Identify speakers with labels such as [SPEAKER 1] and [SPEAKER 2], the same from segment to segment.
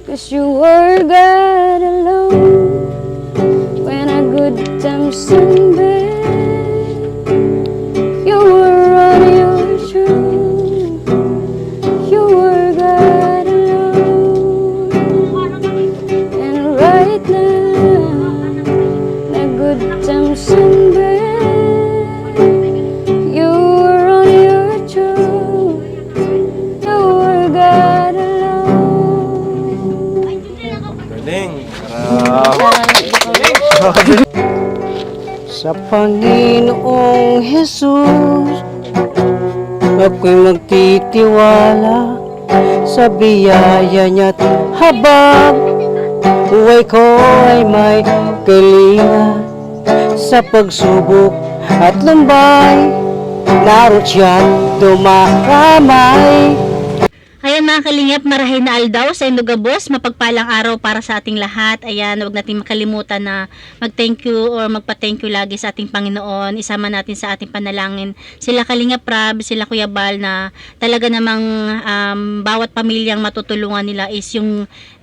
[SPEAKER 1] 'Cause you were God alone when a good times and bad. You were on your throne. You were God alone. And right now, the good times and bad. You were on your throne. You were God alone.
[SPEAKER 2] Galing.
[SPEAKER 3] Sa Panginoong Jesus, ako'y magtitiwala sa biyaya niya't habang buhay ko ay may kalinga. Sa pagsubok at lumbay, naroon siya't dumakamay.
[SPEAKER 4] Ayan mga kalingap, marahay na aldaw sa Indogabos, mapagpalang araw para sa ating lahat. Ayan, huwag natin makalimutan na mag-thank you or magpa-thank you lagi sa ating Panginoon. Isama natin sa ating panalangin sila Kalingap Rab, sila Kuya Bal na talaga namang bawat pamilyang matutulungan nila is yung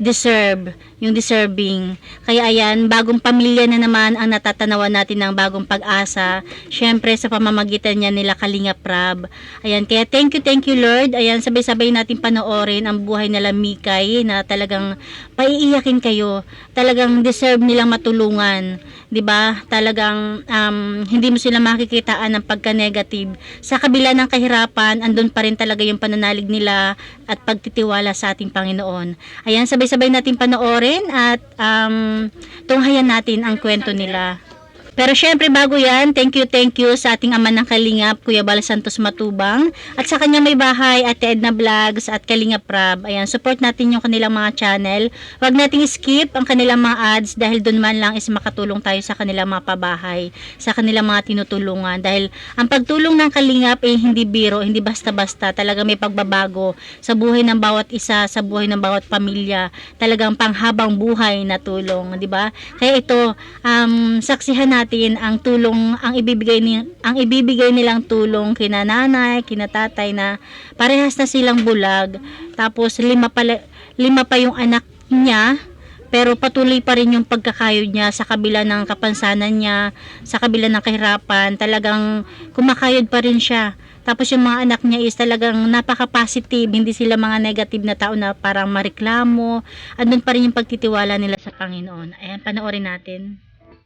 [SPEAKER 4] deserving. Kaya ayan, bagong pamilya na naman ang natatanawan natin ng bagong pag-asa. Syempre sa pamamagitan niya nila Kalingap Rab. Ayan, kaya thank you Lord. Ayan, sabay-sabay natin panoorin ang buhay nila Mikay na talagang paiiyakin kayo. Talagang deserve nilang matulungan, 'di ba? Talagang hindi mo sila makikitaan ng pagka-negative. Sa kabila ng kahirapan, andun pa rin talaga yung pananalig nila at pagtitiwala sa ating Panginoon. Ayan, sabay-sabay natin panoorin at tunghayan natin ang kwento nila. Pero syempre bago yan, thank you sa ating ama ng Kalingap, Kuya Bal Santos Matubang, at sa kanya may bahay, Ate Edna Vlogs at Kalingap Rab. Ayan, support natin yung kanilang mga channel. Huwag nating skip ang kanilang mga ads dahil doon man lang is makatulong tayo sa kanilang mga pabahay, sa kanilang mga tinutulungan. Dahil ang pagtulong ng Kalingap ay hindi biro, hindi basta-basta. Talaga may pagbabago sa buhay ng bawat isa, sa buhay ng bawat pamilya. Talagang panghabang buhay na tulong, di ba? Kaya ito, saksihan natin ang tulong, ang ibibigay nilang tulong kina nanay, kina tatay na parehas na silang bulag. Tapos lima pa yung anak niya, pero patuloy pa rin yung pagkakayod niya sa kabila ng kapansanan niya, sa kabila ng kahirapan, talagang kumakayod pa rin siya. Tapos yung mga anak niya is talagang napaka-positive, hindi sila mga negative na tao na parang mareklamo. Andun pa rin yung pagtitiwala nila sa Panginoon. Ayan, panoorin natin.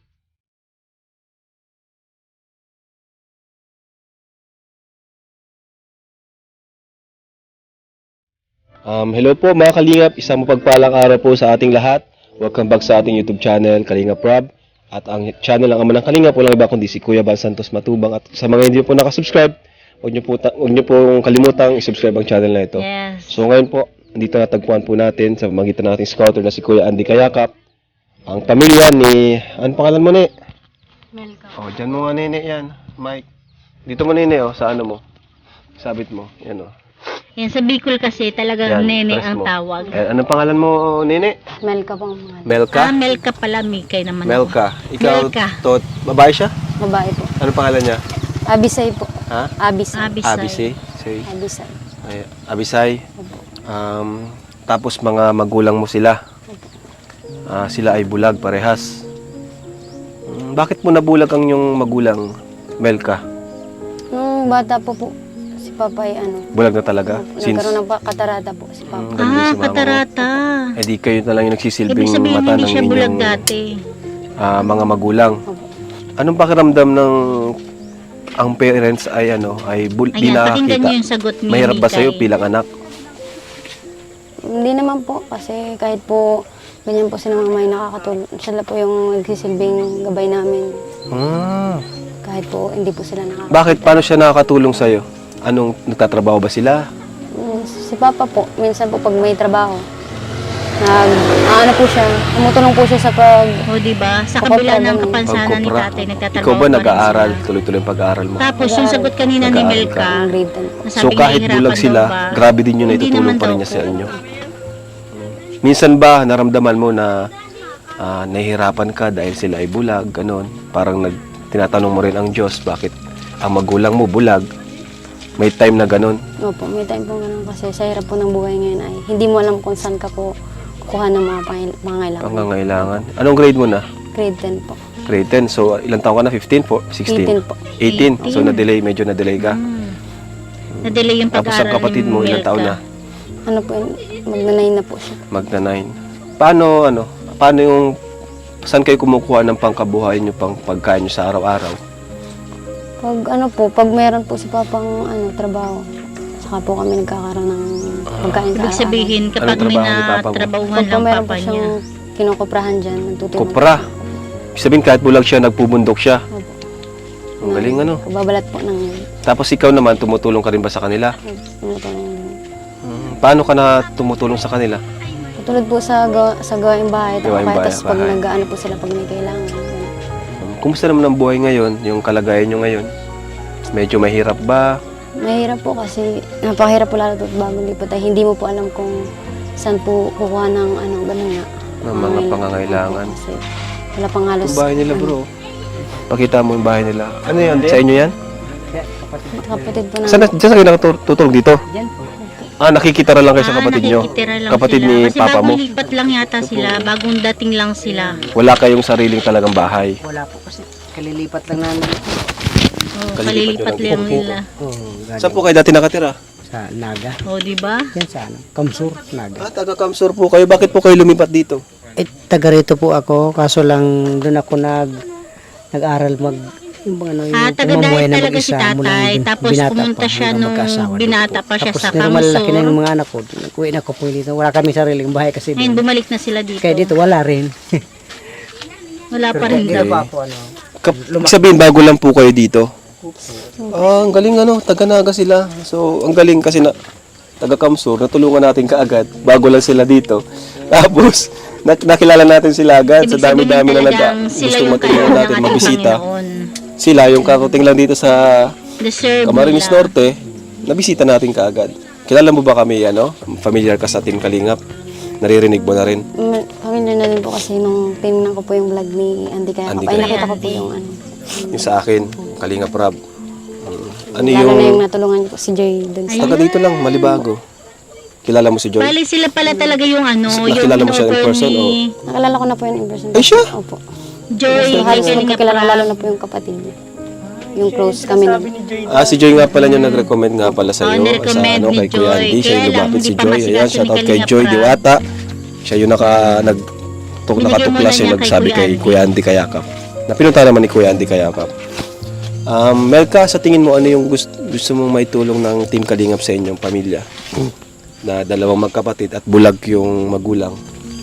[SPEAKER 2] Hello po mga Kalingap, isang mapagpalang araw po sa ating lahat. Welcome back sa ating YouTube channel, Kalingap Rab. At ang channel ng ama ng Kalingap, walang iba kundi si Kuya Bal Santos Matubang. At sa mga hindi po nakasubscribe, huwag niyo po kalimutang i-subscribe ang channel na ito.
[SPEAKER 4] Yes.
[SPEAKER 2] So ngayon po, dito natagpuan po natin sa magitan ng ating scouter na si Kuya Andy Kayakap, ang pamilya ni, ano pangalan mo ni?
[SPEAKER 4] Melka.
[SPEAKER 2] Oh, dyan mo nga nene yan, Mike. Dito mo nene oh, sa ano mo? Sabit mo, yan oh.
[SPEAKER 4] Yan, sa Bicol kasi talagang
[SPEAKER 2] Yan,
[SPEAKER 4] nene
[SPEAKER 2] press
[SPEAKER 4] ang
[SPEAKER 2] mo.
[SPEAKER 4] tawag.
[SPEAKER 2] Anong pangalan mo, nene?
[SPEAKER 1] Melka pang mga
[SPEAKER 2] Melka?
[SPEAKER 4] Melka pala, Mikay naman
[SPEAKER 2] Melka.
[SPEAKER 4] ako.
[SPEAKER 2] Ikaw,
[SPEAKER 4] Melka.
[SPEAKER 2] babae siya?
[SPEAKER 1] babae po.
[SPEAKER 2] Anong pangalan niya?
[SPEAKER 1] Abisay po.
[SPEAKER 2] Ha?
[SPEAKER 1] Abisay.
[SPEAKER 4] Abisay.
[SPEAKER 2] Say.
[SPEAKER 1] Abisay.
[SPEAKER 2] Ay, Abisay. Tapos mga magulang mo sila. Sila ay bulag parehas. Bakit mo nabulag ang yung magulang, Melka?
[SPEAKER 1] Nung bata po si Papa ay
[SPEAKER 2] Bulag na talaga?
[SPEAKER 1] nagkaroon ng katarata po si Papa.
[SPEAKER 2] Ganun din si mama mo.
[SPEAKER 4] Katarata.
[SPEAKER 2] Eh di kayo na lang yung nagsisilbing
[SPEAKER 4] Ibig sabihin
[SPEAKER 2] mata
[SPEAKER 4] hindi
[SPEAKER 2] ng
[SPEAKER 4] siya bulag
[SPEAKER 2] inyong
[SPEAKER 4] dati.
[SPEAKER 2] mga magulang. Anong pakiramdam ng ang parents ay di
[SPEAKER 4] Ayan, pakinggan niyo
[SPEAKER 2] nakakita?
[SPEAKER 4] yung sagot ni
[SPEAKER 2] Mahirap ba
[SPEAKER 4] Mikay.
[SPEAKER 2] sa'yo bilang anak?
[SPEAKER 1] Hindi naman po kasi kahit po ganyan po sila mga may nakakatulong. Sila po yung nagsisilbing gabay namin. Kahit po hindi po sila nakakatulong.
[SPEAKER 2] Bakit? Paano siya nakakatulong sa'yo? Anong, nagtatrabaho ba sila?
[SPEAKER 1] Si Papa po, minsan po pag may trabaho, po siya, tumutulong po siya sa
[SPEAKER 4] O diba? Sa
[SPEAKER 1] Kupra,
[SPEAKER 4] kabila ng
[SPEAKER 1] ganun.
[SPEAKER 4] kapansanan ni
[SPEAKER 2] Pagkupra.
[SPEAKER 4] tatay, nagtatrabaho
[SPEAKER 2] Ikaw ba
[SPEAKER 4] pa rin
[SPEAKER 2] nag-aaral?
[SPEAKER 4] sila.
[SPEAKER 2] Tuloy-tuloy ang pag-aaral mo?
[SPEAKER 4] Tapos yung sagot kanina ni
[SPEAKER 2] Nag-aaral
[SPEAKER 4] Melka,
[SPEAKER 1] ng grade 10.
[SPEAKER 4] na
[SPEAKER 2] So
[SPEAKER 4] sabing
[SPEAKER 2] kahit
[SPEAKER 4] nahihirapan
[SPEAKER 2] bulag
[SPEAKER 4] daw
[SPEAKER 2] sila,
[SPEAKER 4] ba?
[SPEAKER 2] grabe din yun na
[SPEAKER 4] Hindi
[SPEAKER 2] itutulong
[SPEAKER 4] naman
[SPEAKER 2] pa rin
[SPEAKER 4] daw
[SPEAKER 2] niya
[SPEAKER 4] po.
[SPEAKER 2] sa inyo. Minsan ba naramdaman mo na nahihirapan ka dahil sila ay bulag, ganon? Parang tinatanong mo rin ang Diyos, bakit ang magulang mo bulag? May time na ganon?
[SPEAKER 1] Opo, may time po ganun kasi sa hirap po ng buhay ngayon ay hindi mo alam kung saan ka po kuha ng mga pangangailangan.
[SPEAKER 2] Pangangailangan. Anong grade mo na?
[SPEAKER 1] Grade 10 po.
[SPEAKER 2] Grade 10. So, ilang taon ka na? 15 po? 16?
[SPEAKER 1] 18 po.
[SPEAKER 2] 18. So, medyo na-delay ka.
[SPEAKER 4] Na-delay yung
[SPEAKER 2] Tapos
[SPEAKER 4] pag-aaral
[SPEAKER 2] ang kapatid mo, ilang
[SPEAKER 4] Melka.
[SPEAKER 2] taon na?
[SPEAKER 1] Ano po yun, magnanay na po siya.
[SPEAKER 2] Magna-9. Paano yung, saan kayo kumukuha ng pangkabuhayan nyo, pang pagkain nyo sa araw-araw?
[SPEAKER 1] Pag meron po si Papang trabaho, saka po kami nagkakaroon ng pagkain sa
[SPEAKER 4] Ibig sabihin, kapag
[SPEAKER 2] Anong
[SPEAKER 4] may
[SPEAKER 2] trabaho ni Papa mo?
[SPEAKER 4] natrabahuhan
[SPEAKER 1] Pag po
[SPEAKER 4] lang
[SPEAKER 1] meron po
[SPEAKER 4] papa niya.
[SPEAKER 1] siyang kinukuprahan dyan, nagtutulong.
[SPEAKER 2] Kopra. Ibig sabihin, kahit bulag siya, nagpubundok siya.
[SPEAKER 1] Opo.
[SPEAKER 2] Ang galing ano.
[SPEAKER 1] Babalat po ng
[SPEAKER 2] Tapos ikaw naman, tumutulong ka rin ba sa kanila?
[SPEAKER 1] tinutulong.
[SPEAKER 2] Paano ka na tumutulong sa kanila?
[SPEAKER 1] Katulad po sa gawaing bahay,
[SPEAKER 2] Gawaing
[SPEAKER 1] tapos pag
[SPEAKER 2] bahay.
[SPEAKER 1] nag-ano po sila pag may kailangan. ganun.
[SPEAKER 2] Kumusta naman ang buhay ngayon? Yung kalagayan nyo ngayon? Medyo mahirap ba?
[SPEAKER 1] Mahirap po kasi napakahirap po lalo po bagong lipat ay hindi mo po alam kung saan po kukuha ng ganun nga.
[SPEAKER 2] Ng mga pangangailangan.
[SPEAKER 1] Opo, kasi wala pang halos.
[SPEAKER 2] Yung bahay nila bro. Pakita mo yung bahay nila. Ano yan? Sa inyo yan?
[SPEAKER 1] Kapatid po namin.
[SPEAKER 2] Saan kayo nakatutulong dito?
[SPEAKER 3] Yan po.
[SPEAKER 2] Nakikitara lang kayo sa kapatid nyo?
[SPEAKER 4] nakikitira lang
[SPEAKER 2] Kapatid
[SPEAKER 4] sila.
[SPEAKER 2] ni
[SPEAKER 4] Kasi
[SPEAKER 2] papa mo?
[SPEAKER 4] bagong lipat lang yata sila, bagong dating lang sila.
[SPEAKER 2] Wala kayong sariling talagang bahay.
[SPEAKER 3] Wala po kasi kalilipat lang namin
[SPEAKER 4] Oh,
[SPEAKER 2] Kalilipat
[SPEAKER 4] kalilipat
[SPEAKER 2] nyo lang
[SPEAKER 4] lang
[SPEAKER 2] din.
[SPEAKER 4] nila.
[SPEAKER 2] Saan po kayo dati nakatira?
[SPEAKER 3] sa Naga.
[SPEAKER 4] Oh, di ba?
[SPEAKER 3] Yan sa Kamsur, Naga.
[SPEAKER 2] Taga Kamsur po kayo. Bakit po kayo lumipat dito?
[SPEAKER 3] Taga rito po ako, kaso lang doon ako nag-aral yung
[SPEAKER 4] Taga
[SPEAKER 3] pamumuhay
[SPEAKER 4] dahil
[SPEAKER 3] na
[SPEAKER 4] talaga si
[SPEAKER 3] mag-isa mula
[SPEAKER 4] tatay.
[SPEAKER 3] nung
[SPEAKER 4] Tapos
[SPEAKER 3] binata
[SPEAKER 4] pumunta
[SPEAKER 3] pa,
[SPEAKER 4] siya
[SPEAKER 3] hanggang
[SPEAKER 4] nung
[SPEAKER 3] magkaasawa
[SPEAKER 4] binata
[SPEAKER 3] dito.
[SPEAKER 4] pa siya
[SPEAKER 3] Tapos
[SPEAKER 4] sa
[SPEAKER 3] malaki na
[SPEAKER 4] Kamsur.
[SPEAKER 3] yung mga anak ko. Uwi na ko po dito. Wala kami sariling bahay kasi
[SPEAKER 4] Ngayon,
[SPEAKER 3] doon.
[SPEAKER 4] bumalik na sila dito.
[SPEAKER 3] Kaya dito wala rin.
[SPEAKER 4] Wala pa rin
[SPEAKER 3] Dito
[SPEAKER 4] daw.
[SPEAKER 3] pa ako
[SPEAKER 2] Ibig sabihin, bago lang po kayo dito? Ang galing taga Naga sila. So, ang galing kasi taga Kamsur, natulungan natin kaagad bago lang sila dito. Tapos, nakilala natin sila agad sa
[SPEAKER 4] Ibig sabihin
[SPEAKER 2] dami-dami na
[SPEAKER 4] talagang sila
[SPEAKER 2] gusto
[SPEAKER 4] yung
[SPEAKER 2] matulungan
[SPEAKER 4] kailangan
[SPEAKER 2] natin
[SPEAKER 4] ng ating
[SPEAKER 2] mabisita.
[SPEAKER 4] Panginoon.
[SPEAKER 2] Sila, yung karating lang dito sa
[SPEAKER 4] Deserve
[SPEAKER 2] Camarines
[SPEAKER 4] nila.
[SPEAKER 2] Norte, nabisita natin kaagad. Kilala mo ba kami, familiar ka sa Team Kalingap? Naririnig mo na rin.
[SPEAKER 1] Familiar na din po kasi nung tinignan ko po yung vlog ni Andy kaya
[SPEAKER 2] Andy
[SPEAKER 1] ay
[SPEAKER 2] Kaya.
[SPEAKER 1] nakita ko po yung
[SPEAKER 2] Yung sa akin, Kalingap Rob. Ano
[SPEAKER 1] lalo na yung
[SPEAKER 2] yung...
[SPEAKER 1] natulungan niyo po si Joy dun sa
[SPEAKER 2] Taga dito lang, Malibago. Kilala mo si Joy?
[SPEAKER 4] Bali sila pala talaga yung
[SPEAKER 2] Nakilala mo siya in
[SPEAKER 4] in-offer
[SPEAKER 2] person,
[SPEAKER 4] ni
[SPEAKER 1] nakilala ko na po yun in person.
[SPEAKER 2] Ay, siya?
[SPEAKER 1] Opo.
[SPEAKER 4] Joy.
[SPEAKER 1] So, halos
[SPEAKER 4] Kalinga
[SPEAKER 1] magkakilala
[SPEAKER 4] Prab.
[SPEAKER 1] lalo na po yung kapatid niya. Yung close kami na.
[SPEAKER 2] Si Joy nga pala yung nag-recommend nga pala sa iyo.
[SPEAKER 4] nirecommend ni
[SPEAKER 2] Kay Kuya
[SPEAKER 4] Joy.
[SPEAKER 2] Andy. Siya yung
[SPEAKER 4] Kaya lang,
[SPEAKER 2] lumapit
[SPEAKER 4] hindi
[SPEAKER 2] si
[SPEAKER 4] pa
[SPEAKER 2] Joy.
[SPEAKER 4] masikaso
[SPEAKER 2] Ayan,
[SPEAKER 4] ni
[SPEAKER 2] shoutout kay
[SPEAKER 4] Kalinga
[SPEAKER 2] Joy
[SPEAKER 4] Prab.
[SPEAKER 2] Diwata. Siya yung
[SPEAKER 4] Binigyan
[SPEAKER 2] nakatuklas
[SPEAKER 4] mo na
[SPEAKER 2] yung
[SPEAKER 4] niya
[SPEAKER 2] nagsabi
[SPEAKER 4] kay
[SPEAKER 2] kay
[SPEAKER 4] Kuya
[SPEAKER 2] Kuya Andy Kayakap. Napinunta naman ni Kuya Andy Kayakap. Melka, sa tingin mo ano yung gusto mong maitulong ng Team Kalingap sa inyong pamilya? Na dalawang magkapatid at bulag yung magulang.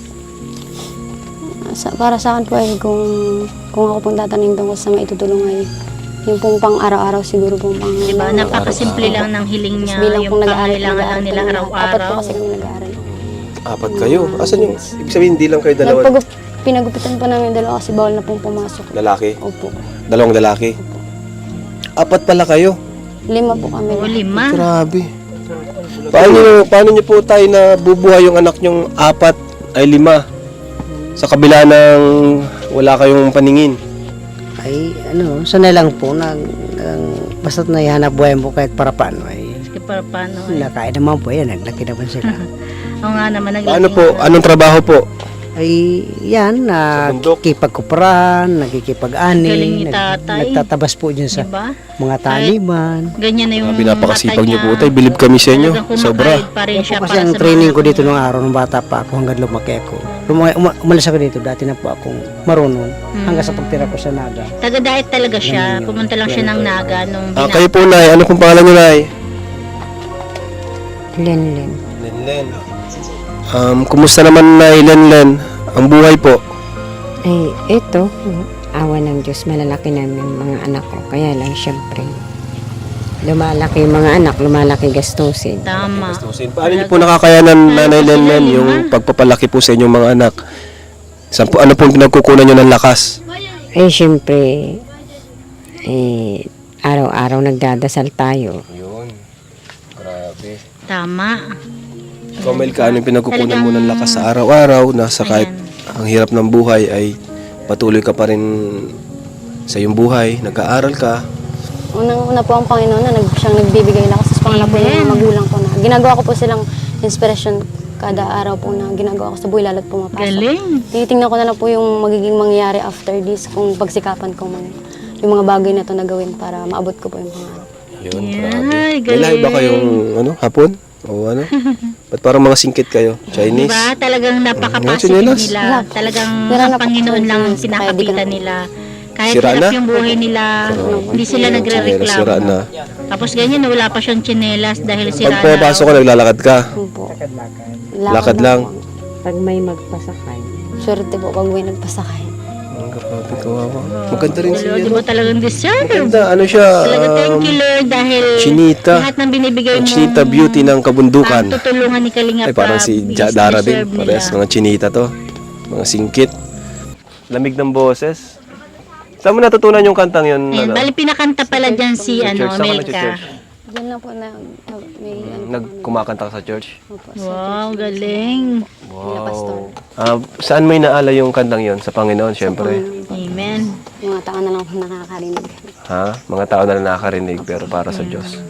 [SPEAKER 1] Para sa akin po ay kung ako pong tatanungin tungkol sa maitutulong ay yung pong pang araw-araw siguro pong pang
[SPEAKER 4] Diba? Napakasimple lang ng hiling niya.
[SPEAKER 1] bilang
[SPEAKER 4] Yung
[SPEAKER 1] pong nag-aaral
[SPEAKER 4] pangailangan lang nila
[SPEAKER 1] apat po
[SPEAKER 4] araw-araw.
[SPEAKER 1] kasi kami nag-aaral.
[SPEAKER 2] 4 kayo. Asan yung... Ibig sabihin, hindi lang kayo dalawa.
[SPEAKER 1] Pinagupitan pa namin yung dalawa kasi bawal na pong pumasok.
[SPEAKER 2] Lalaki.
[SPEAKER 1] Opo.
[SPEAKER 2] Dalawang lalaki. 4 pala kayo.
[SPEAKER 1] 5 po kami.
[SPEAKER 4] O, 5.
[SPEAKER 2] Grabe. Paano niyo po tayo na bubuhay yung anak nyong 4 ay 5? Sa kabila ng wala kayong paningin.
[SPEAKER 3] ay sanay lang po basta't naihanap buhay mo kahit para paano ay
[SPEAKER 4] Sige, para paano?
[SPEAKER 3] nakain naman po yan, naglaki naman sila.
[SPEAKER 4] Oo nga naman.
[SPEAKER 2] Paano po? Anong trabaho po?
[SPEAKER 3] Ay yan,
[SPEAKER 2] bundok?
[SPEAKER 3] nakikipagkuparan,
[SPEAKER 4] Galing
[SPEAKER 3] nakikipag-ani,
[SPEAKER 4] ni tatay.
[SPEAKER 3] nagtatabas po dyan sa
[SPEAKER 4] Diba?
[SPEAKER 3] mga taliman.
[SPEAKER 4] Ganyan na yung
[SPEAKER 2] Pinapakasipag
[SPEAKER 4] mata
[SPEAKER 2] niyo po
[SPEAKER 4] niya.
[SPEAKER 2] tayo. Bilib kami sa inyo.
[SPEAKER 4] Talagang
[SPEAKER 2] Sobra.
[SPEAKER 4] kumakayod pa rin
[SPEAKER 3] Yan po
[SPEAKER 4] siya
[SPEAKER 3] kasi
[SPEAKER 4] para
[SPEAKER 3] ang
[SPEAKER 4] sa
[SPEAKER 3] training
[SPEAKER 4] mga
[SPEAKER 3] ko dito
[SPEAKER 4] anak
[SPEAKER 3] nung araw, nung bata pa ako hanggang lumaki ako. Umalis ako dito, dati na po akong marunong hanggang sa pagtira ko sa Naga.
[SPEAKER 4] Taga-diet talaga siya. Pumunta lang siya ng Naga nung
[SPEAKER 2] Kayo po, Nay. Ano pong pangalan niyo, Nay?
[SPEAKER 1] Lenlen.
[SPEAKER 2] Lenlen. Kumusta naman, Nay Lenlen? Ang buhay po.
[SPEAKER 5] Ay, ito, awa ng Diyos, malalaki namin mga anak ko. Kaya lang, syempre, lumalaki yung mga anak, lumalaki gastusin.
[SPEAKER 4] Tama.
[SPEAKER 2] Paano niyo po nakakayanan, Nanay Lenlen, yung pagpapalaki po sa inyong mga anak? Ano pong pinagkukunan niyo ng lakas?
[SPEAKER 5] Eh, syempre, araw-araw nagdadasal tayo.
[SPEAKER 2] Yun. Grabe.
[SPEAKER 4] Tama.
[SPEAKER 2] Ikaw, Melka, ano yung pinagkukunan mo ng lakas sa araw-araw na sa kahit ang hirap ng buhay ay patuloy ka pa rin sa iyong buhay, nag-aaral ka.
[SPEAKER 1] Unang-una po ang Panginoon na siyang nagbibigay lakas. Tapos pangalawa po yung mga magulang ko na ginagawa ko po silang inspiration kada araw po na ginagawa ko sa buhay, lalo't pumapasok.
[SPEAKER 4] Galing.
[SPEAKER 1] Tinitingnan ko na lang po yung magiging mangyayari after this, kung pagsikapan ko man yung mga bagay na to na gawin para maabot ko po yung pangarap.
[SPEAKER 2] Yun,
[SPEAKER 4] Ay,
[SPEAKER 2] grabe. May
[SPEAKER 4] galing.
[SPEAKER 2] lahi ba kayong hapon? O ano? Ba't parang mga singkit kayo? Chinese?
[SPEAKER 4] Diba? Talagang napaka-positive
[SPEAKER 2] Chinelas.
[SPEAKER 4] nila. Talagang
[SPEAKER 1] Sira na
[SPEAKER 4] ang
[SPEAKER 1] po
[SPEAKER 4] Panginoon
[SPEAKER 1] sa
[SPEAKER 4] lang
[SPEAKER 1] chinelas. Kaya di ka
[SPEAKER 4] pinakapitan
[SPEAKER 1] na-
[SPEAKER 4] nila. Kahit
[SPEAKER 2] Sira
[SPEAKER 4] hirap
[SPEAKER 2] na?
[SPEAKER 4] yung buhay nila, hindi sila
[SPEAKER 2] Sira
[SPEAKER 4] nagre-reklamo.
[SPEAKER 2] na.
[SPEAKER 4] Tapos ganyan, wala pa siyang tsinelas dahil sira
[SPEAKER 2] Pag pumapasok ko, naglalakad ka.
[SPEAKER 1] Yun po.
[SPEAKER 2] Lakad lang.
[SPEAKER 1] po.
[SPEAKER 5] Pag may magpasakay.
[SPEAKER 1] Swerte po pag may nagpasakay.
[SPEAKER 2] Ang grabe, kawawa. Maganda rin siya.
[SPEAKER 4] Di mo talagang deserve.
[SPEAKER 2] Maganda, ano siya?
[SPEAKER 4] Talaga thank you Lord dahil
[SPEAKER 2] Chinita.
[SPEAKER 4] lahat ng binibigay
[SPEAKER 2] Ang
[SPEAKER 4] mo.
[SPEAKER 2] Chinita beauty ng kabundukan.
[SPEAKER 4] Tutulungan ni Kalinga
[SPEAKER 2] Ay, parang si Dara din. Parehas mga chinita to. Mga singkit. Lamig ng boses. Saan mo natutunan yung kantang yun?
[SPEAKER 4] Ayan,
[SPEAKER 2] Ano?
[SPEAKER 4] bali pinakanta pala dyan si
[SPEAKER 2] Church, saan ka
[SPEAKER 4] Melka.
[SPEAKER 2] nag-church?
[SPEAKER 1] Diyan lang po na may
[SPEAKER 2] Nagkumakanta ka sa church?
[SPEAKER 1] Opo,
[SPEAKER 4] Wow, galing.
[SPEAKER 1] pastor.
[SPEAKER 2] Saan mo inaala yung kantang yun? Sa Panginoon, syempre.
[SPEAKER 4] Amen.
[SPEAKER 1] Yung mga tao na lang po nakakarinig.
[SPEAKER 2] Ha? Mga tao na nakakarinig pero para sa Diyos.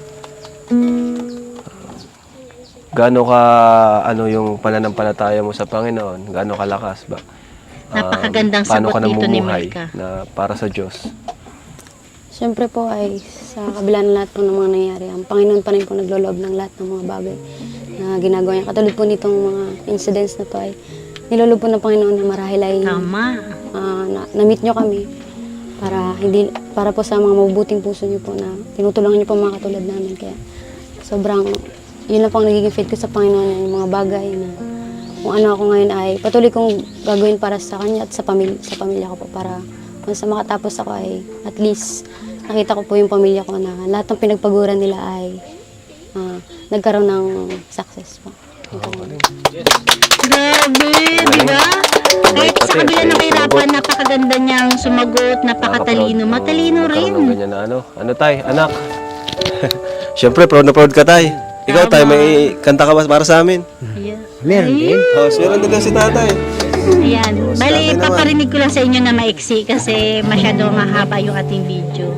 [SPEAKER 2] Gaano ka, ano yung pananampalataya mo sa Panginoon? Gaano kalakas ba?
[SPEAKER 4] Napakagandang
[SPEAKER 2] Paano
[SPEAKER 4] sagot
[SPEAKER 2] ka
[SPEAKER 4] dito ni
[SPEAKER 2] namumuhay
[SPEAKER 4] Melka.
[SPEAKER 2] na para sa Diyos?
[SPEAKER 1] Siyempre po ay sa kabila ng lahat po ng mga nangyayari, ang Panginoon pa rin po nagloloob ng lahat ng mga bagay na ginagawa niya. Katulad po nitong mga incidents na to ay niloloob po ng Panginoon na marahil ay
[SPEAKER 4] Tama.
[SPEAKER 1] na-meet nyo kami para po sa mga mabubuting puso niyo po na tinutulungan niyo po mga katulad namin. Kaya sobrang, yun lang po ang nagiging faith ko sa Panginoon, yung mga bagay na kung ano ako ngayon ay patuloy kong gagawin para sa Kanya at sa pamilya ko po para kung sa makatapos ako ay at least nakita ko po yung pamilya ko na lahat ng pinagpaguran nila ay nagkaroon ng success po.
[SPEAKER 4] Grabe, di ba? Kahit sa kabila ng kahirapan, napakaganda niyang sumagot, napakatalino. Matalino
[SPEAKER 2] Nagkaroon ng
[SPEAKER 4] rin.
[SPEAKER 2] ganyan na ano. Ano tay, anak? Siyempre, proud na proud ka tay. Ikaw tay, may kanta ka ba para sa amin?
[SPEAKER 4] Yeah.
[SPEAKER 3] Meron din.
[SPEAKER 2] Oh, meron din daw si tatay.
[SPEAKER 4] Ayan. Bali,
[SPEAKER 2] Sabi naman.
[SPEAKER 4] paparinig ko lang sa inyo na maiksi kasi masyado mahaba yung ating video.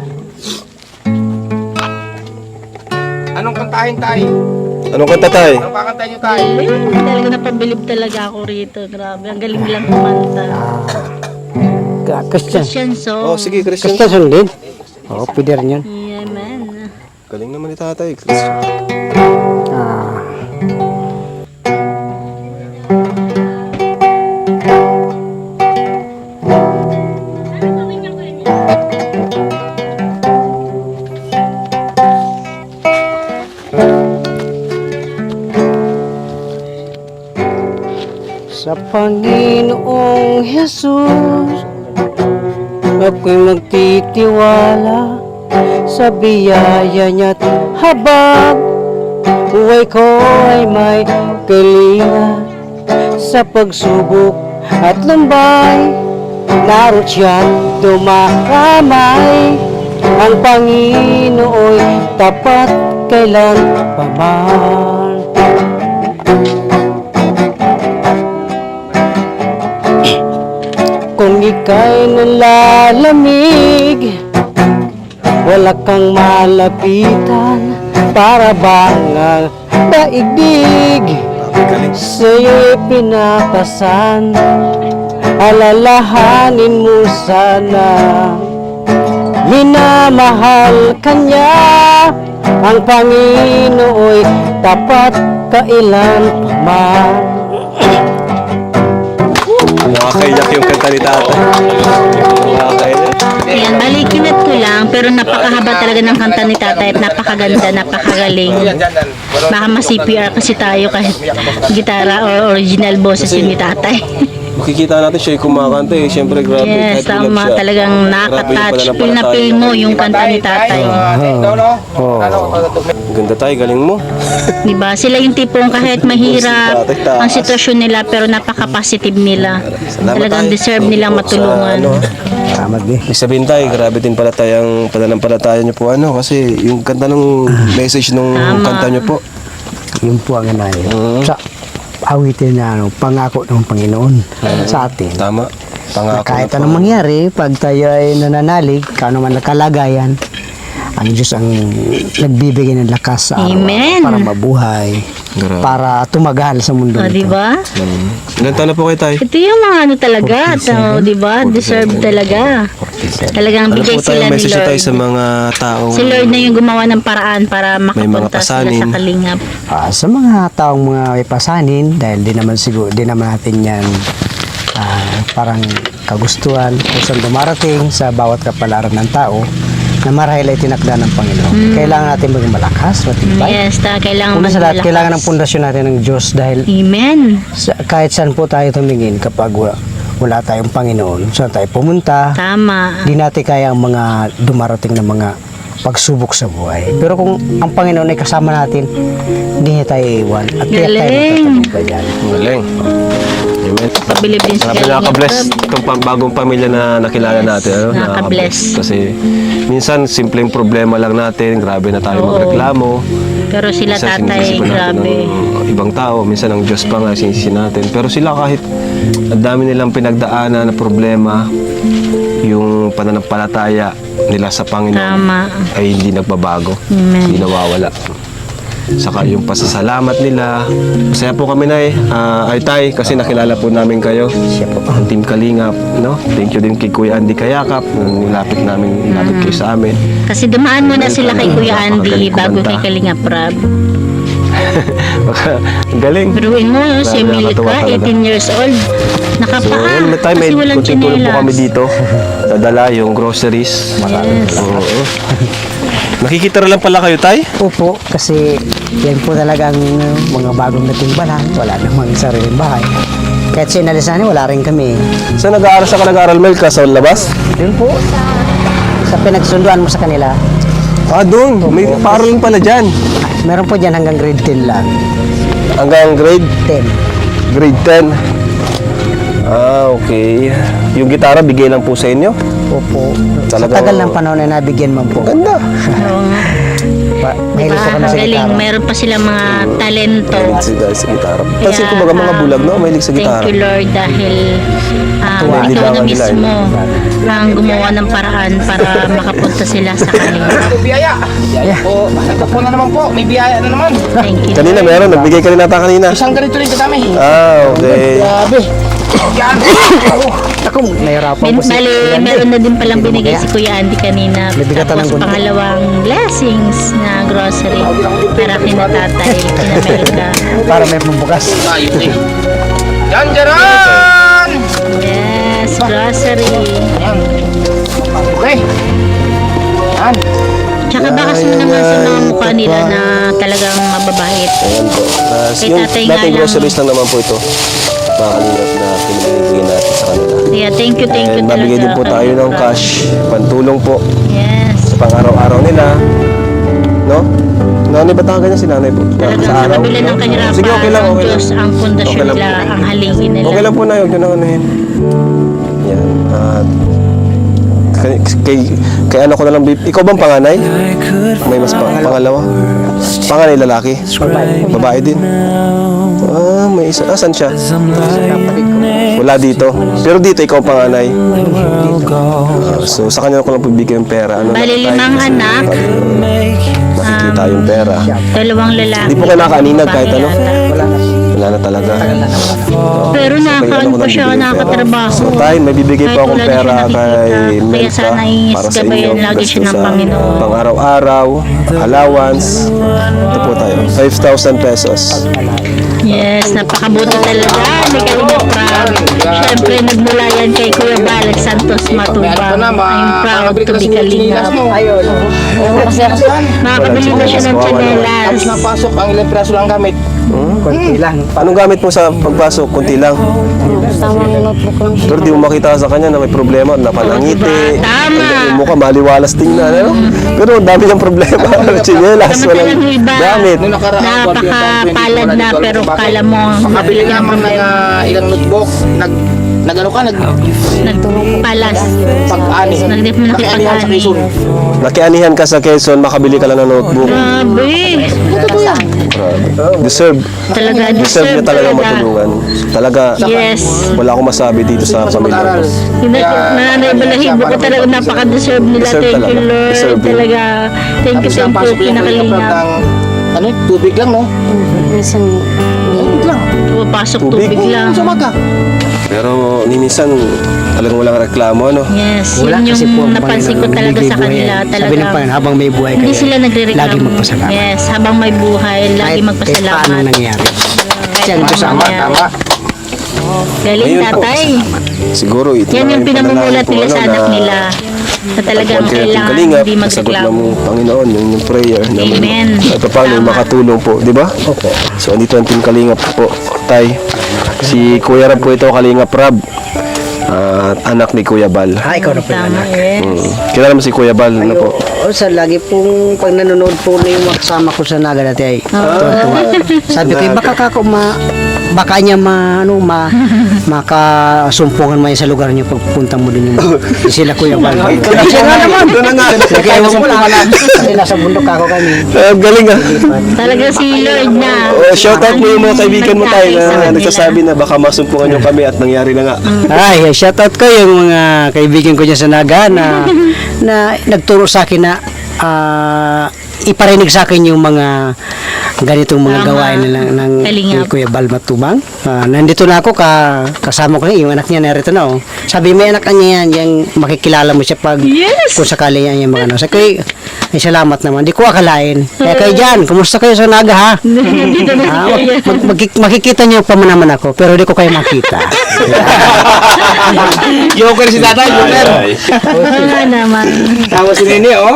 [SPEAKER 6] Anong kantahin tayo?
[SPEAKER 2] Anong kanta tay?
[SPEAKER 6] Anong kakantahin nyo tayo?
[SPEAKER 4] Galing. Talaga napabilib talaga ako rito. Grabe. Ang galing lang kumanta.
[SPEAKER 3] Christian.
[SPEAKER 4] Christian song.
[SPEAKER 2] Oh, sige, Christian.
[SPEAKER 3] Christian song din. Oo, pwede rin yun.
[SPEAKER 4] Yeah, man.
[SPEAKER 2] Galing naman ni tatay, Christian.
[SPEAKER 3] Ah, sa Panginoong Jesus, ako'y magtitiwala sa biyaya niya't habang buhay ko ay may kalinga sa pagsubok at lumbay. Naroon siya't dumakamay, ang Panginoo'y tapat kailan paman. Kung ika'y nalalamig, wala kang malapitan, para bang ang daigdig sa'yo'y pinapasan. Alalahanin mo sana, minamahal ka niya, ang Panginoo'y tapat kailan paman.
[SPEAKER 2] Nakakaiyak yung kanta ni tatay. Nakakaiyak.
[SPEAKER 4] Ayan, balikinat ko lang, pero napakahaba talaga ng kanta ni tatay at napakaganda, napakagaling. Baka ma-CPR kasi tayo kahit gitara or original boses yun ni tatay.
[SPEAKER 2] Makikita natin siya yung kumakanta eh. Siyempre, grabe.
[SPEAKER 4] Yes,
[SPEAKER 2] kahit ulap
[SPEAKER 4] tama.
[SPEAKER 2] siya.
[SPEAKER 4] Talagang
[SPEAKER 2] Grabe yung
[SPEAKER 4] nakaka-touch. Feel na
[SPEAKER 2] pananampalataya
[SPEAKER 4] feel mo
[SPEAKER 2] niya.
[SPEAKER 4] yung kanta ni tatay.
[SPEAKER 6] Ikaw, no? Ano?
[SPEAKER 2] Ganda tayo, galing mo.
[SPEAKER 4] Diba? Sila yung tipong kahit mahirap
[SPEAKER 2] Si tatay taas.
[SPEAKER 4] ang sitwasyon nila pero napaka-positive nila.
[SPEAKER 2] Salamat
[SPEAKER 4] Talagang
[SPEAKER 2] tayo.
[SPEAKER 4] deserve nilang
[SPEAKER 2] Sa,
[SPEAKER 4] matulungan.
[SPEAKER 2] ano,
[SPEAKER 3] Salamat din.
[SPEAKER 2] Ibig sabihin tayo, grabe din pala tayong pananampalataya niyo po. Ano, kasi yung kanta ng message nung
[SPEAKER 4] Tama.
[SPEAKER 2] kanta niyo po.
[SPEAKER 3] Yun po ang inay. Sa awitin na pangako ng Panginoon sa atin.
[SPEAKER 2] Tama.
[SPEAKER 3] Na
[SPEAKER 2] Pangako
[SPEAKER 3] kahit
[SPEAKER 2] na po.
[SPEAKER 3] anong mangyari, pag tayo ay nananalig, kano man nakalagayan, ang Diyos ang nagbibigay ng lakas sa araw
[SPEAKER 4] Amen.
[SPEAKER 3] para mabuhay.
[SPEAKER 2] Grabe.
[SPEAKER 3] para tumagal sa mundo
[SPEAKER 4] O,
[SPEAKER 3] nito.
[SPEAKER 4] di ba?
[SPEAKER 2] Ilan taon na po kayo, Tay?
[SPEAKER 4] Ito yung mga ano talaga, di ba? Deserve talaga. Talagang
[SPEAKER 2] Ano
[SPEAKER 4] bigay
[SPEAKER 2] po tayo,
[SPEAKER 4] sila ni
[SPEAKER 2] message na tayo
[SPEAKER 4] Lord.
[SPEAKER 2] sa mga taong
[SPEAKER 4] Si Lord na yung gumawa ng paraan para
[SPEAKER 2] May mga
[SPEAKER 4] makapunta sila
[SPEAKER 2] pasanin.
[SPEAKER 4] sa kalingap.
[SPEAKER 3] Sa mga taong mga may pasanin, dahil di naman siguro, di naman natin yan parang kagustuhan kung saan dumarating sa bawat kapalaran ng tao na marahil ay tinakda ng Panginoon. Kailangan natin maging malakas, matibay.
[SPEAKER 4] Yes, kailangan
[SPEAKER 3] Una sa lahat,
[SPEAKER 4] maging
[SPEAKER 3] kailangan ng
[SPEAKER 4] malakas.
[SPEAKER 3] pundasyon natin ng Diyos dahil
[SPEAKER 4] Amen.
[SPEAKER 3] kahit saan po tayo tumingin kapag wala tayong Panginoon, saan tayo pumunta,
[SPEAKER 4] Tama.
[SPEAKER 3] di natin kaya ang mga dumarating na mga pagsubok sa buhay. Pero kung ang Panginoon ay kasama natin, hindi niya tayo iiwan at kaya tayo
[SPEAKER 4] Galing.
[SPEAKER 3] magtatagumpay yan.
[SPEAKER 2] Galing. Amen.
[SPEAKER 4] Pabilib din sa
[SPEAKER 2] Grabe,
[SPEAKER 4] kalingap.
[SPEAKER 2] nakaka-bless itong bagong pamilya na nakilala natin. Ano?
[SPEAKER 4] Nakaka-bless.
[SPEAKER 2] Kasi minsan, simpleng problema lang natin. Grabe na tayo
[SPEAKER 4] Oo.
[SPEAKER 2] magreklamo.
[SPEAKER 4] Pero sila
[SPEAKER 2] Minsan,
[SPEAKER 4] tatay,
[SPEAKER 2] sinisisi pa natin
[SPEAKER 4] grabe.
[SPEAKER 2] ng ibang tao. Minsan, ang Diyos pa nga sinisisi natin. Pero sila kahit ang dami nilang pinagdaanan na problema, yung pananampalataya nila sa Panginoon
[SPEAKER 4] Tama.
[SPEAKER 2] ay hindi nagbabago.
[SPEAKER 4] Amen.
[SPEAKER 2] Hindi nawawala. Saka yung pasasalamat nila. Masaya po kami na ay Tay, kasi nakilala po namin kayo.
[SPEAKER 3] Siya po.
[SPEAKER 2] Ang Team Kalingap, no? Thank you din kay Kuya Andy Kayakap. Nilapit kayo sa amin.
[SPEAKER 4] Kasi dumaan muna sila kay Kuya Andy
[SPEAKER 2] Napakagaling
[SPEAKER 4] bago
[SPEAKER 2] kumanta.
[SPEAKER 4] kay Kalingap Rob.
[SPEAKER 2] Ang galing.
[SPEAKER 4] Biruin mo, si
[SPEAKER 2] Grabe,
[SPEAKER 4] Milka,
[SPEAKER 2] nakakatuwa talaga.
[SPEAKER 4] 18 years old.
[SPEAKER 2] So,
[SPEAKER 4] Nakapaa.
[SPEAKER 2] yan, may time, may
[SPEAKER 4] Kasi walang
[SPEAKER 2] kunting tulong po
[SPEAKER 4] tsinelas.
[SPEAKER 2] kami dito. Dadala yung groceries.
[SPEAKER 4] Yes.
[SPEAKER 2] Oo. Nakikita lang pala kayo, Tay?
[SPEAKER 3] Opo, kasi yan po talagang mga bagong natimbalan. Wala namang sariling bahay. Kahit sinalisan wala rin kami.
[SPEAKER 2] Saan nag-aaral sa ka nag-aaral, Mel? Ka sa labas?
[SPEAKER 3] Yun po, sa pinagsunduan mo sa kanila,
[SPEAKER 2] Ah, doon. May paraling pala dyan.
[SPEAKER 3] meron po dyan hanggang grade 10 lang.
[SPEAKER 2] Hanggang grade
[SPEAKER 3] 10.
[SPEAKER 2] 10. Ah, okay. Yung gitara, bigay lang po sa inyo?
[SPEAKER 3] Opo.
[SPEAKER 2] Talagang-
[SPEAKER 3] Sa tagal ng panahon na nabigyan man po.
[SPEAKER 2] Ganda.
[SPEAKER 4] Oo nga.
[SPEAKER 3] Mahilig
[SPEAKER 4] Diba?
[SPEAKER 3] po kami sa
[SPEAKER 4] Galing.
[SPEAKER 3] gitara.
[SPEAKER 4] Meron pa silang mga talento.
[SPEAKER 2] Mahilig sila sa gitara. Kasi
[SPEAKER 4] Kaya,
[SPEAKER 2] kumbaga mga bulag, no? Mahilig sa gitara.
[SPEAKER 4] Thank you, Lord, dahil ikaw na
[SPEAKER 2] Libangan nila,
[SPEAKER 4] mismo ang gumawa ng paraan para makapunta sila sa kanila.
[SPEAKER 6] Ito biyaya. Po, ito po na naman po. May biyaya na naman.
[SPEAKER 4] Thank you.
[SPEAKER 2] Kanina meron, nagbigay ka rin nata kanina.
[SPEAKER 6] Isang ganito rin kadami.
[SPEAKER 2] Ah, okay.
[SPEAKER 3] Grabe.
[SPEAKER 6] Yan.
[SPEAKER 3] Ako, nahirapan po si
[SPEAKER 4] Bali,
[SPEAKER 3] Kuya Andy.
[SPEAKER 4] meron na din palang binigay si Kuya Andy kanina.
[SPEAKER 3] Nabigatan ng
[SPEAKER 4] Tapos
[SPEAKER 3] gunting.
[SPEAKER 4] pangalawang blessings na grocery para kina tatay, kina Melka.
[SPEAKER 3] Para may pambukas.
[SPEAKER 6] Tayo eh. Yan, Jaran!
[SPEAKER 4] Yes, grocery.
[SPEAKER 6] Yan. Okay. Yan.
[SPEAKER 4] Tsaka bakas mo naman sa mga mukha nila na talagang mababait.
[SPEAKER 2] Ayan po.
[SPEAKER 4] Kay
[SPEAKER 2] Yung
[SPEAKER 4] tatay nga
[SPEAKER 2] dating
[SPEAKER 4] lang.
[SPEAKER 2] groceries lang naman po ito. Mga kalingap na pinibigay natin sa kanila.
[SPEAKER 4] Yeah, thank you
[SPEAKER 2] And
[SPEAKER 4] talaga.
[SPEAKER 2] babigay din po tayo ng cash, pantulong po
[SPEAKER 4] Yes.
[SPEAKER 2] sa pang-araw-araw nila. No? Nanay, ba't ganyan si nanay po?
[SPEAKER 4] Talagang
[SPEAKER 2] Sa
[SPEAKER 4] sa
[SPEAKER 2] araw?
[SPEAKER 4] kabila ng kahirapan,
[SPEAKER 2] Sige, okay lang,
[SPEAKER 4] ang
[SPEAKER 2] okay lang.
[SPEAKER 4] Diyos ang pundasyon
[SPEAKER 2] Okay lang
[SPEAKER 4] nila,
[SPEAKER 2] po.
[SPEAKER 4] ang halingin nila.
[SPEAKER 2] Okay lang po na, huwag nyo na unahin. Yan. Kay ano ko na lang, ikaw bang panganay? May mas pangalawa? Panganay lalaki? Babae din? Ah, may isa. Asan siya? Wala dito. Pero dito, ikaw panganay. So, sa kanya ko lang bibigyan yung pera. Ano
[SPEAKER 4] Bali,
[SPEAKER 2] lang tayo,
[SPEAKER 4] limang
[SPEAKER 2] kasi
[SPEAKER 4] anak.
[SPEAKER 2] makikita yung pera.
[SPEAKER 4] Dalawang lalaki.
[SPEAKER 2] Hindi po kayo nakaaninag
[SPEAKER 4] babae
[SPEAKER 2] kahit ano?
[SPEAKER 4] yata.
[SPEAKER 2] Wala na talaga.
[SPEAKER 4] Pero nakakaano pa siya, nakakatrabaho.
[SPEAKER 2] So, tayo, may bibigay
[SPEAKER 4] Kahit
[SPEAKER 2] po akong
[SPEAKER 4] wala na
[SPEAKER 2] pera
[SPEAKER 4] siya
[SPEAKER 2] kay
[SPEAKER 4] nakikita.
[SPEAKER 2] Melka
[SPEAKER 4] Kaya sana
[SPEAKER 2] para sa
[SPEAKER 4] gabayan
[SPEAKER 2] inyo.
[SPEAKER 4] lagi siya ng
[SPEAKER 2] Gasto sa
[SPEAKER 4] Panginoon.
[SPEAKER 2] pang-araw-araw, allowance. Ito po tayo, 5,000 pesos.
[SPEAKER 4] Yes, napakabuti talaga ni Kalingap Rob. Siyempre, nagmula yan kay Kuya Balak Santos
[SPEAKER 6] May ano
[SPEAKER 4] Matubang.
[SPEAKER 6] pa na,
[SPEAKER 4] I'm proud
[SPEAKER 6] makabili
[SPEAKER 4] to
[SPEAKER 6] ka na
[SPEAKER 4] be
[SPEAKER 6] sa chinilas
[SPEAKER 4] Kalingap.
[SPEAKER 6] mo.
[SPEAKER 3] Ayun.
[SPEAKER 4] Makakabili na siya ng tsinelas.
[SPEAKER 6] Tapos napasok, ang ilang piraso lang gamit.
[SPEAKER 3] Konti lang.
[SPEAKER 2] Anong gamit mo sa pagpasok? Kunti lang.
[SPEAKER 1] Tama yung notebook lang.
[SPEAKER 2] Pero di mo makita sa kanya na may problema, napalangiti.
[SPEAKER 4] Diba? Tama.
[SPEAKER 2] Yung mukha maliwalas tingnan, ano? Pero ang dami niyang problema. Chinelas, walang
[SPEAKER 4] Samantalang yung iba,
[SPEAKER 2] gamit.
[SPEAKER 6] Nung nakaraan,
[SPEAKER 4] napakapalad na pero kala mo
[SPEAKER 6] Makabili naman ng ilang notebook. Nag-ano ka?
[SPEAKER 4] nagpalas.
[SPEAKER 6] Pag-ani. Nag-anihan sa Quezon.
[SPEAKER 2] Nakianihan ka sa Quezon, makabili ka lang ng notebook.
[SPEAKER 4] Grabe.
[SPEAKER 2] Deserve.
[SPEAKER 4] Talaga,
[SPEAKER 2] Deserve niya talaga
[SPEAKER 4] talaga.
[SPEAKER 2] matulungan. Talaga,
[SPEAKER 4] Yes.
[SPEAKER 2] wala akong masabi dito sa
[SPEAKER 6] Mas
[SPEAKER 2] pamilya
[SPEAKER 6] mag-aral.
[SPEAKER 2] ko.
[SPEAKER 4] Yung nanay balahibo ko talaga napaka-deserve nila.
[SPEAKER 2] Deserve
[SPEAKER 4] Thank you,
[SPEAKER 2] talaga.
[SPEAKER 4] Lord.
[SPEAKER 2] Deserve yun.
[SPEAKER 4] Talaga. Thank you,
[SPEAKER 6] Tapos napasok yung
[SPEAKER 4] Pinakalingap.
[SPEAKER 6] ng ano, tubig lang, no?
[SPEAKER 1] Minsan,
[SPEAKER 6] Tubig lang.
[SPEAKER 4] Pumapasok tubig lang.
[SPEAKER 6] Sa umaga.
[SPEAKER 2] Pero ni minsan talagang walang reklamo, no?
[SPEAKER 4] Yes,
[SPEAKER 3] Wala
[SPEAKER 4] yun
[SPEAKER 3] kasi po
[SPEAKER 4] yung
[SPEAKER 3] ang
[SPEAKER 4] napansin ko
[SPEAKER 3] Panginoon,
[SPEAKER 4] talaga
[SPEAKER 3] nagbibigay
[SPEAKER 4] sa kanila.
[SPEAKER 3] buhay. Sabi ng
[SPEAKER 4] Talaga,
[SPEAKER 3] Panginoon, habang may buhay
[SPEAKER 4] hindi
[SPEAKER 3] kayo,
[SPEAKER 4] sila nagre-reklamo.
[SPEAKER 3] lagi magpasalamat.
[SPEAKER 4] Yes, habang may buhay, lagi
[SPEAKER 3] Kahit paano
[SPEAKER 4] magpasalamat.
[SPEAKER 3] nangyari.
[SPEAKER 4] Kahit
[SPEAKER 3] Yan,
[SPEAKER 4] ano
[SPEAKER 3] tama,
[SPEAKER 4] mangyari. Galing
[SPEAKER 2] Ayun po.
[SPEAKER 4] tatay.
[SPEAKER 2] Siguro ito
[SPEAKER 4] Yan
[SPEAKER 2] na
[SPEAKER 4] yung pinamumulat
[SPEAKER 2] panalangin
[SPEAKER 4] nila
[SPEAKER 2] po,
[SPEAKER 4] sa
[SPEAKER 2] ano,
[SPEAKER 4] anak
[SPEAKER 2] na
[SPEAKER 4] nila. Na talagang
[SPEAKER 2] pagpapalaki natin
[SPEAKER 4] kailangan
[SPEAKER 2] kalingap,
[SPEAKER 4] hindi
[SPEAKER 2] sagot
[SPEAKER 4] magreklamo.
[SPEAKER 2] ng Panginoon, yung prayer na
[SPEAKER 4] Amen.
[SPEAKER 2] at paano
[SPEAKER 4] Tama.
[SPEAKER 2] makatulong po, di ba? So, andito ang team Kalingap po, tay. Si Kuya Rab po ito, Kalingap Rab. At anak ni Kuya Bal.
[SPEAKER 3] Ikaw na po yung
[SPEAKER 4] Tama,
[SPEAKER 3] anak.
[SPEAKER 4] yes.
[SPEAKER 2] Kilala mo si Kuya Bal, ano po?
[SPEAKER 3] O, sa lagi pong pag nanonood po na yung mga kasama ko sa Naga dati ay tuwa-tuwa. Sabi ko, baka kako baka niya makasumpungan mo yan sa lugar niyo pagpunta mo din yung sila Kuya Bal. Siya nga naman.
[SPEAKER 2] Ito na nga.
[SPEAKER 3] Kaya ewan ko lang. Kasi nasa bundok ako kami.
[SPEAKER 2] Galing ah.
[SPEAKER 4] Talaga si Lord na.
[SPEAKER 2] Shout out mo yung mga kaibigan mo tayo
[SPEAKER 4] nagkakay sa
[SPEAKER 2] na
[SPEAKER 4] kanila.
[SPEAKER 2] nagsasabi na baka masumpungan nyo kami at nangyari na nga.
[SPEAKER 3] Ay, shoutout ko yung mga kaibigan ko dyan sa Naga na nagturo sa akin na iparinig sa akin yung mga ganitong mga
[SPEAKER 4] Tama.
[SPEAKER 3] gawain ng
[SPEAKER 4] Kalingap.
[SPEAKER 3] Kuya Bal Matubang. Nandito na ako, kasama ko yung anak niya narito na. Oh. Sabi, may anak niya yan, yung makikilala mo siya pag
[SPEAKER 4] Yes!
[SPEAKER 3] kung sakali yan yung mga ano. Sabi ko, ay salamat naman. Di ko akalain. Kaya kayo dyan, kumusta kayo sa Naga ha?
[SPEAKER 4] Nandito na si Kuya.
[SPEAKER 3] Makikita niyo pa naman ako, pero di ko kayo makita.
[SPEAKER 6] Joker si tatay, joker.
[SPEAKER 4] Oo naman.
[SPEAKER 6] Tawa si Nene, oh.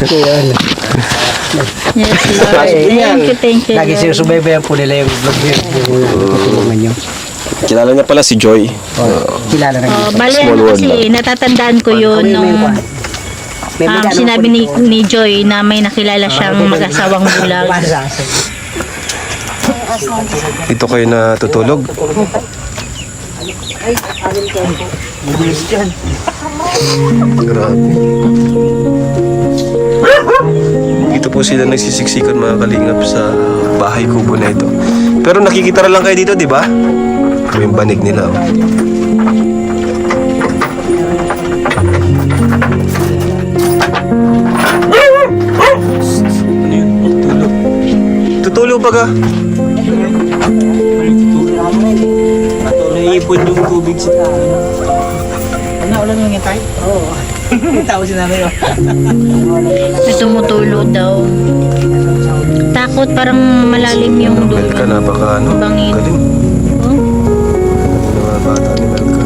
[SPEAKER 4] Yes, Lord. Thank you,
[SPEAKER 3] Lagi
[SPEAKER 4] Lord.
[SPEAKER 3] sinusubaybayan po nila yung vlog niyo, yung tutulungan niyo.
[SPEAKER 2] Kilala niya pala si Joy.
[SPEAKER 3] Kilala na
[SPEAKER 4] Oh,
[SPEAKER 3] niyo.
[SPEAKER 4] bali
[SPEAKER 2] Small
[SPEAKER 4] ano
[SPEAKER 2] world
[SPEAKER 4] kasi, natatandaan ko yun nung
[SPEAKER 3] May magkano
[SPEAKER 4] sinabi
[SPEAKER 3] po
[SPEAKER 4] ni Joy na may nakilala siyang mag-asawang bulag.
[SPEAKER 2] Dito kayo natutulog? Grabe. Dito po sila nagsisiksikan mga kalingap sa bahay kubo na ito. Pero nakikita lang kayo dito, di ba? Yung banig nila. Oh. Ano yun? Tulog. Tutulog pa ka?
[SPEAKER 6] Naipon yung tubig sa tayo. Ano, ulan mo yung tayo? Oo. Tao si nanay, oh.
[SPEAKER 4] May tumutulo daw. Takot, parang malalim yung dulo.
[SPEAKER 2] Melka, napaka ano?
[SPEAKER 4] Bangin.
[SPEAKER 2] Galing.
[SPEAKER 4] Oh,
[SPEAKER 2] Mga bata ni Melka.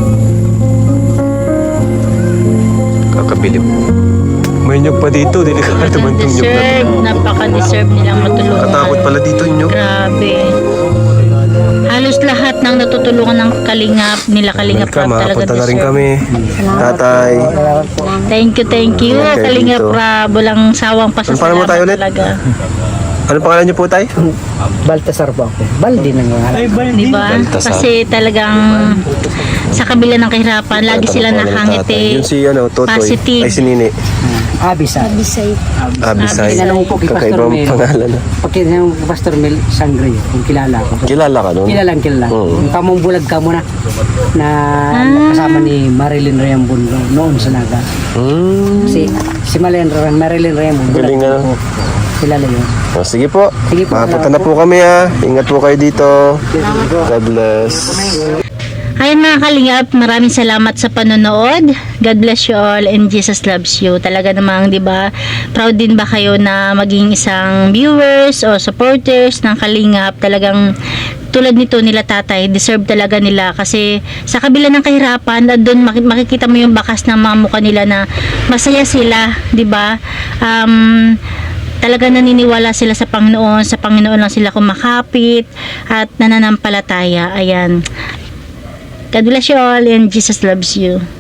[SPEAKER 2] Kakabilib. May nyug pa dito. Delikado man itong nyug na
[SPEAKER 4] deserve.
[SPEAKER 2] to.
[SPEAKER 4] Napaka-deserve nilang matulungan.
[SPEAKER 2] Nakatakot pala dito nyug.
[SPEAKER 4] Grabe. Halos lahat ng natutulungan ng Kalingap, nila Kalingap
[SPEAKER 2] Melka,
[SPEAKER 4] Rab talaga
[SPEAKER 2] makapunta na rin
[SPEAKER 4] deserve.
[SPEAKER 2] kami. Tatay.
[SPEAKER 4] Thank you.
[SPEAKER 2] Okay,
[SPEAKER 4] Kalingap
[SPEAKER 2] dito.
[SPEAKER 4] Rab. Walang sawang
[SPEAKER 2] Paano mo
[SPEAKER 4] pasasalamat
[SPEAKER 2] tayo ulit?
[SPEAKER 4] talaga.
[SPEAKER 2] Ano pangalan niyo po, Tay?
[SPEAKER 3] Baltasar po ako. Baldi na nga.
[SPEAKER 4] Di ba?
[SPEAKER 2] Baltasar.
[SPEAKER 4] Kasi talagang sa kabila ng kahirapan, lagi sila nakangiti.
[SPEAKER 2] Yun si ano, Totoy.
[SPEAKER 4] Positive.
[SPEAKER 2] Ay, si Nini.
[SPEAKER 3] Abisay.
[SPEAKER 2] Abisay.
[SPEAKER 3] Tinanong ko kay Pastor
[SPEAKER 2] Kakaibang
[SPEAKER 3] Mel.
[SPEAKER 2] pangalan.
[SPEAKER 3] Pag tinanong ko kay Pastor Mel Sangre, kung kilala ko.
[SPEAKER 2] Kilala ka nun?
[SPEAKER 3] Kilala.
[SPEAKER 2] Oo.
[SPEAKER 3] Yung kamong bulag ka muna na kasama ni Marilyn Rayambon noon sa Naga. Si Marilyn Rayambon.
[SPEAKER 2] Galing nga.
[SPEAKER 3] Kilala yun.
[SPEAKER 2] Oh, sige po.
[SPEAKER 3] Sige po.
[SPEAKER 2] Makapunta na po kami ha. Ingat po kayo dito. God bless.
[SPEAKER 4] Ayun mga Kalingap, maraming salamat sa panonood. God bless you all and Jesus loves you. Talaga namang, di ba, proud din ba kayo na maging isang viewers o supporters ng Kalingap? Talagang tulad nito nila tatay, deserve talaga nila kasi sa kabila ng kahirapan, doon makikita mo yung bakas ng mga mukha nila na masaya sila, di ba? Talaga naniniwala sila sa Panginoon lang sila kumakapit at nananampalataya. Ayan. God bless you all and Jesus loves you.